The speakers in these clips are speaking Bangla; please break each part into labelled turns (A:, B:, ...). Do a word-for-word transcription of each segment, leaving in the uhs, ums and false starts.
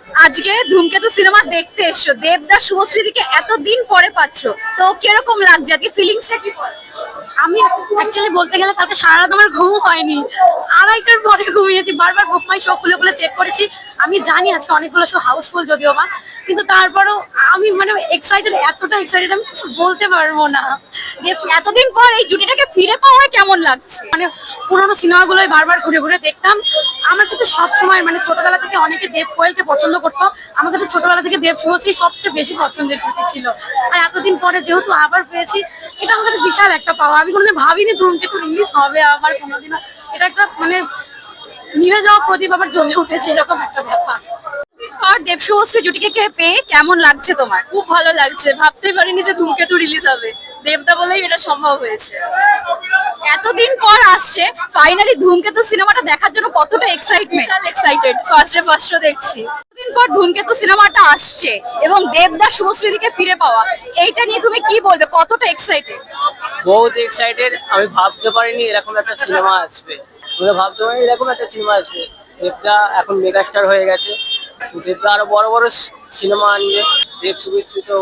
A: আজকে ধূমকেতু সিনেমা দেখতে এসছো, দেবদাস শুভশ্রীদিকে এতদিন পরে পাচ্ছো, তো কিরকম লাগছে আজকে, ফিলিংসটা কি?
B: আমি অ্যাকচুয়ালি বলতে গেলে তাতে সারা রাত আমার ঘুম হয়নি, আড়াইটার পরে ঘুমিয়েছি, বারবার বুক মাই শো খুলে খুলে চেক করেছি। আমি জানি আজকে অনেকগুলো শো হাউসফুল যদিও বা, কিন্তু তারপরেও আমি মানে এক্সাইটেড, এতটা এক্সাইটেড আমি কিছু বলতে পারবো না।
A: দেব এতদিন পর এই জুটিটাকে ফিরে পাওয়া কেমন লাগছে?
B: মানে পুরোনো সিনেমাগুলোই বারবার ঘুরে ঘুরে দেখতাম। আমার কাছে সবসময় মানে ছোটবেলা থেকে অনেকে দেব কোয়েলকে পছন্দ করতো, আমার কাছে ছোটবেলা থেকে দেব শুভশ্রী সবচেয়ে বেশি পছন্দের জুটি ছিল। আর এতদিন পরে যেহেতু আবার পেয়েছি, এটা আমার কাছে বিশাল একটা পাওয়া। আমি কোনোদিন ভাবিনি ধূমকেতু রিলিজ হবে আবার কোনোদিনও। এটা একটা মানে নিভে যাওয়া প্রদীপ আবার জ্বলে উঠেছে, এরকম একটা ব্যাপার।
A: আর দেব শুভশ্রী জুটিকে পেয়ে কেমন লাগছে তোমার?
B: খুব ভালো লাগছে, ভাবতেই পারিনি যে ধূমকেতু রিলিজ হবে, দেবদা বলেই এটা সম্ভব হয়েছে।
A: এতদিন পর আসছে, ফাইনালি ধূমকেতু সিনেমাটা দেখার জন্য কতটা এক্সাইটমেন্ট?
B: বিশাল excited, first day first show দেখছি।
A: এতদিন পর ধূমকেতু সিনেমাটা আসছে এবং দেবদাস শুভশ্রীদিকে ফিরে পাওয়া, এইটা নিয়ে তুমি কি বলবে, কতটা এক্সাইটেড?
C: বহুত এক্সাইটেড। আমি ভাবতে পারিনি এরকম একটা সিনেমা আসবে, আমরা ভাবতে পারিনি এরকম একটা সিনেমা আসবে। দেবদা এখন মেগাস্টার হয়ে গেছে, তো দেবদা আরো বড় বড় সিনেমা আনবে, দেব শুভশ্রী তো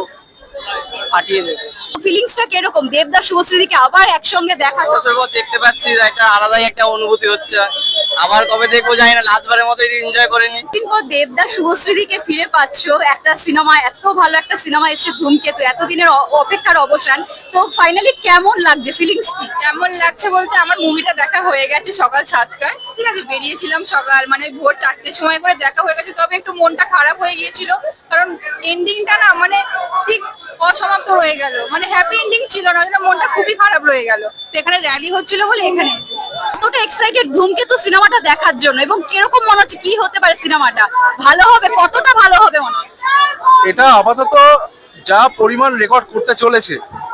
C: ফাটিয়ে দেবে।
A: ফিলিংসটা কিরকম দেবদাস শুভশ্রীদিকে আবার একসঙ্গে দেখা?
D: বছর পর দেখতে পাচ্ছি, একটা আলাদাই একটা অনুভূতি হচ্ছে। আবার কবে দেখবো জানি না, লাস্টবারের মতো এনজয় করে নি।
A: দিন পর দেবদাস শুভশ্রীদিকে ফিরে পাচ্ছো, একটা সিনেমা, এত ভালো একটা সিনেমা এসেছে ধূমকেতু, এতদিনের অ- অপেক্ষার অবসান, তো ফাইনালি কেমন লাগছে, ফিলিংস কি?
E: কেমন লাগছে বলতে, আমার মুভিটা দেখা হয়ে গেছে সকাল সাতটায়, ঠিক আছে, বেরিয়েছিলাম সকাল মানে ভোর চারটের সময় করে, দেখা হয়ে গেছে। তবে একটু মনটা খারাপ হয়ে গিয়েছিল, কারণ এন্ডিংটা না মানে ঠিক অসমাপ্ত রয়ে গেল, মানে হ্যাপি এন্ডিং ছিল না, ওই জন্য মনটা খুবই খারাপ রয়ে গেল। তো এখানে র্যালি হচ্ছিল বলে এখানে এসেছি।
A: কতটা এক্সাইটেড ধূমকেতু সিনেমাটা দেখার জন্য, এবং কিরকম মনে হচ্ছে, কি হতে পারে সিনেমাটা, ভালো হবে, কতটা ভালো হবে মনে হচ্ছে?
F: এটা আপাতত যা পরিমাণ রেকর্ড করতে চলেছে,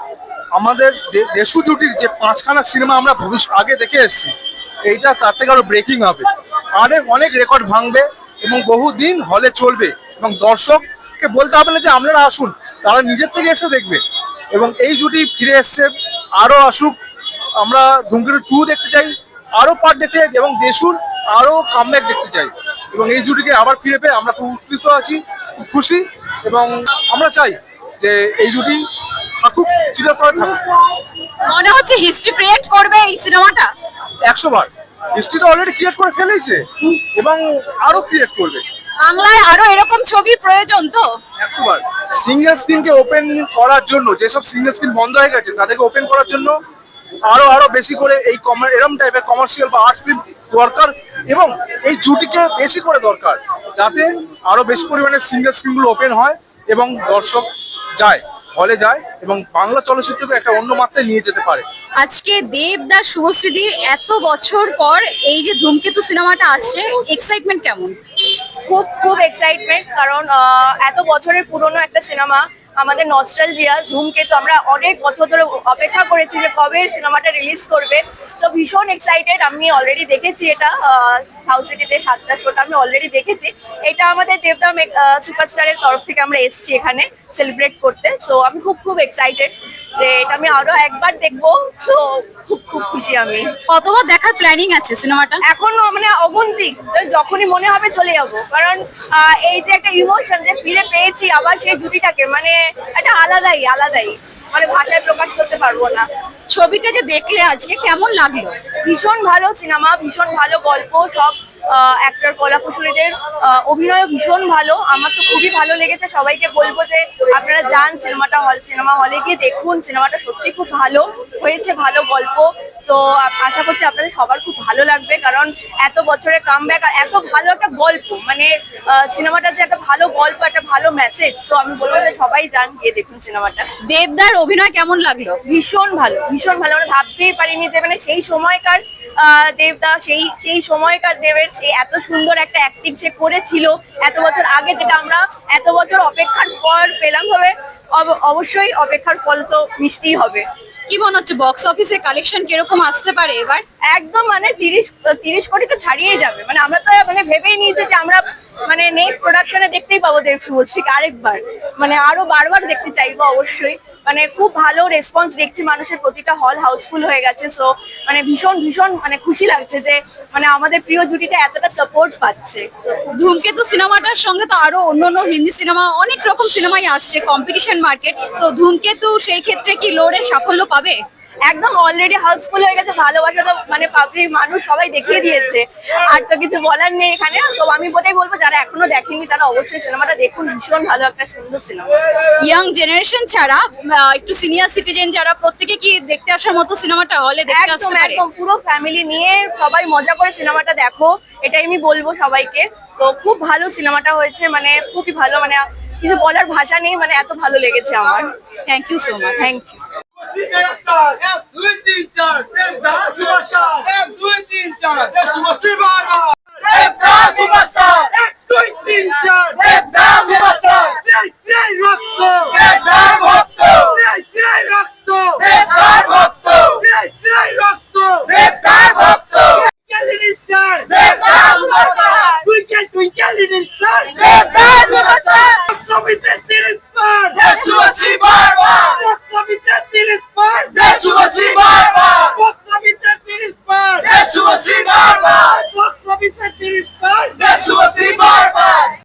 F: আমাদের দে- দেশু জুটির যে পাঁচখানা সিনেমা আমরা ভবিষ্যৎ আগে দেখে এসেছি, এইটা তার থেকে আরো ব্রেকিং হবে, অনেক অনেক রেকর্ড ভাঙবে এবং বহুদিন হলে চলবে। এবং দর্শককে বলতে হবে না যে আপনারা আসুন, তারা নিজের থেকে এসে দেখবে। এবং এই জুটি ফিরে এসছে, আরো আসুক। আমরা ধূমকেতু টু দেখতে চাই, আরো পার্ট দেখতে চাই, এবং দেশুর আরো কামব্যাক দেখতে চাই। এবং এই জুটিকে আবার ফিরে পেয়ে আমরা খুব উপকৃত আছি, খুব খুশি। এবং আমরা চাই যে এই জুটি থাকুক, চিরতরে থাকুক।
A: মনে হচ্ছে হিস্ট্রি ক্রিয়েট করবে এই সিনেমাটা।
F: একশো বার হিস্ট্রি তো অলরেডি ক্রিয়েট করে ফেলেছে এবং আরো ক্রিয়েট করবে।
A: বাংলায় আরো এরকম ছবির প্রয়োজন তো।
F: একশো বার সিঙ্গেল স্ক্রিনকে ওপেন করার জন্য, যেসব সিঙ্গেল স্ক্রিন বন্ধ হয়ে গেছে তাদেরকে ওপেন করার জন্য আরো আরো বেশি করে এই কমার এরম টাইপের কমার্শিয়াল বা আর্ট ফিল্ম দরকার। এবং এই জুটিকে বেশি করে দরকার, যাতে আরো বেশি পরিমাণে সিঙ্গেল স্ক্রিনগুলো ওপেন হয় এবং দর্শক যায়, হলে যায়, এবং বাংলা চলচ্চিত্রকে একটা অন্য মাত্রায় নিয়ে যেতে পারে।
A: আজকে দেবদাস শুভশ্রীদির এত বছর পর এই যে ধূমকেতু সিনেমাটা আসছে, এক্সাইটমেন্ট কেমন?
B: খুব খুব এক্সাইটমেন্ট, কারণ আহ, এত বছরের পুরনো একটা সিনেমা, আমাদের নস্টালজিয়া ধূমকেতু, আমরা অনেক বছর ধরে অপেক্ষা করেছি যে কবে সিনেমাটা রিলিজ করবে। তো ভীষণ এক্সাইটেড। আমি অলরেডি দেখেছি এটা সাউথ সিটিতে, সাতটা শোটা আমি অলরেডি দেখেছি। এটা আমাদের দেবদা সুপারস্টারের তরফ থেকে আমরা এসেছি এখানে সেলিব্রেট করতে। সো আমি খুব খুব এক্সাইটেড যে এটা আমি আরো একবার দেখবো। সো খুব খুব খুশি আমি।
A: কতবার দেখার প্ল্যানিং আছে সিনেমাটা?
B: এখনো মানে অগন্তিক, যখনই মনে হবে চলে যাবো, কারণ আহ, এই যে একটা ইমোশন যে ফিরে পেয়েছি আবার সেই জুটিটাকে, মানে একটা আলাদাই আলাদাই, মানে ভাষায় প্রকাশ করতে পারবো না।
A: ছবিটা যে দেখলে আজকে কেমন লাগলো?
B: ভীষণ ভালো সিনেমা, ভীষণ ভালো গল্প, সব অ্যাক্টর কলাকুশলীদের অভিনয় ভীষণ ভালো। আমার তো খুবই ভালো লেগেছে। সবাইকে বলবো যে আপনারা যান সিনেমাটা, হল সিনেমা হলে গিয়ে দেখুন। সিনেমাটা সত্যি খুব ভালো হয়েছে, ভালো গল্প। তো আ- আশা করছি আপনাদের সবার খুব ভালো লাগবে, কারণ এত বছরের কামব্যাক আর এত ভালো একটা গল্প, মানে সিনেমাটা যে একটা ভালো গল্প, একটা ভালো মেসেজ। তো আমি বলবো যে সবাই যান, গিয়ে দেখুন সিনেমাটা।
A: দেবদার অভিনয় কেমন লাগলো?
B: ভীষণ ভালো, ভীষণ ভালো। আমরা ভাবতেই পারিনি যে মানে সেই সময়কার আহ, দেবদা, সেই সেই সময়কার দেবের সেই এত সুন্দর একটা অ্যাক্টিং সে করেছিল এত বছর আগে, যেটা আমরা এত বছর অপেক্ষার পর পেলাম। হবে অব- অবশ্যই অপেক্ষার ফল তো মিষ্টিই হবে।
A: কি মনে হচ্ছে বক্স অফিসে কালেকশন কিরকম আসতে পারে এবার?
B: একদম মানে তিরিশ তিরিশ কোটি তো ছাড়িয়ে যাবে। মানে আমরা তো মানে ভেবেই নিয়েছি যে আমরা মানে নেক্সট প্রোডাকশনে দেখতেই পাবো দেব শুভশ্রীকে আরেকবার, মানে আরো বারবার দেখতে চাইবো অবশ্যই। মানে খুব ভালো রেসপন্স দেখছি মানুষের, প্রতিটা হল হাউসফুল হয়ে গেছে। সো মানে ভীষণ ভীষণ মানে খুশি লাগছে যে মানে আমাদের প্রিয় জুটিটা এতটা সাপোর্ট পাচ্ছে।
A: ধূমকেতু সিনেমাটার সঙ্গে তো আরো অন্যান্য হিন্দি সিনেমা অনেক রকম সিনেমাই আসছে, কম্পিটিশন মার্কেট, তো ধূমকেতু সেই ক্ষেত্রে কি লড়ে সাফল্য পাবে?
B: একদম অলরেডি হাউসফুল হয়ে গেছে, ভালোবাসা তো মানে পাবলিক মানুষ সবাই দেখিয়ে দিয়েছে, আর তো কিছু বলার নেই এখানে। তো আমি বলেই বলবো যারা এখনো দেখেনি তারা অবশ্যই সিনেমাটা দেখুন, ভীষণ ভালো একটা সুন্দর সিনেমা।
A: ইয়াং জেনারেশন ছাড়া আহ, একটু সিনিয়র সিটিজেন যারা, প্রত্যেকে কি দেখতে আসার মতো সিনেমাটা হলে দেখতে
B: একদম
A: আসতে পারে?
B: একদম পুরো ফ্যামিলি নিয়ে সবাই মজা করে সিনেমাটা দেখো, এটাই আমি বলবো সবাইকে। তো খুব ভালো সিনেমাটা হয়েছে, মানে খুবই ভালো, মানে কিছু বলার ভাষা নেই, মানে এত ভালো লেগেছে আমার।
A: Thank you so much.
B: Thank you.
G: Megastar এক দুই তিন চার দেবদা সুপারস্টার এক দুই তিন চার শুভশ্রী বারবার দেবদা সুপারস্টার এক দুই তিন চার দেবদা সুপারস্টার জয় জয় রক্ত দেবদার ভক্ত জয় জয় রক্ত দেবদার ভক্ত জয় জয় রক্ত দেবদার ভক্ত টুইঙ্কেল স্টার দেবদা superstar twinkle twinkle little star দেবদা সুপারস্টার সবিতে তিরিশ পার শুভশ্রী বারবার সবিতে তিরিশ পার শুভশ্রী বারবার সবিতে তিরিশ পার শুভশ্রী বারবার সবিতে তিরিশ পার শুভশ্রী বারবার